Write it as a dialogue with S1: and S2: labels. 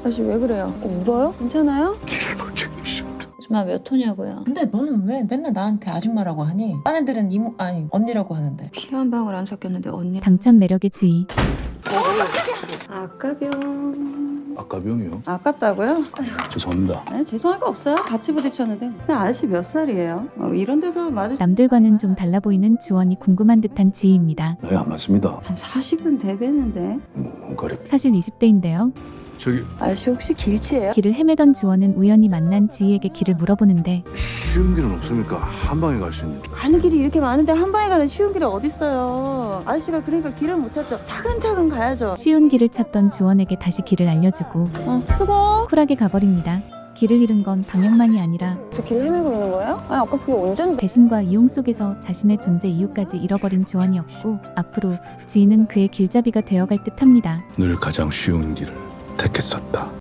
S1: 아저씨 왜 그래요? 울어요? 괜찮아요?
S2: 길을 못 챙기시오.
S1: 아줌마 몇 호냐고요?
S3: 근데 너는 왜 맨날 나한테 아줌마라고 하니? 딴 애들은 이모 아니 언니라고 하는데.
S1: 피 한 방울 안 섞였는데 언니.
S4: 당찬 매력의 지희.
S1: 아까병.
S2: 아까 병이요?
S1: 아깝다고요?
S2: 죄송합니다.
S1: 네, 죄송할 거 없어요. 같이 부딪혔는데. 근데 아저씨 몇 살이에요? 이런 데서 맞을
S4: 남들과는 좀 달라 보이는 주원이 궁금한 듯한 지희입니다.
S2: 나이 안 맞습니다.
S1: 한 40은 대배는데.
S2: 거리.
S4: 사실 20대인데요.
S2: 저기
S1: 아저씨 혹시 길치예요?
S4: 길을 헤매던 주원은 우연히 만난 지희에게 길을 물어보는데
S2: 쉬운 길은 없습니까? 한 방에 갈 수 있는.
S1: 가는 길이 이렇게 많은데 한 방에 가는 쉬운 길이 어딨어요. 아저씨가 그러니까 길을 못 찾죠. 차근차근 가야죠.
S4: 쉬운 길을 찾던 주원에게 다시 길을 알려주고
S1: 수고.
S4: 쿨하게 가버립니다. 길을 잃은 건 방향만이 아니라
S1: 저 길 헤매고 있는 거예요? 아니 아까 그게 언젠데?
S4: 배신과 이용 속에서 자신의 존재 이유까지 잃어버린 주원이었고 앞으로 지희는 그의 길잡이가 되어갈 듯합니다.
S2: 늘 가장 쉬운 길을 택했었다.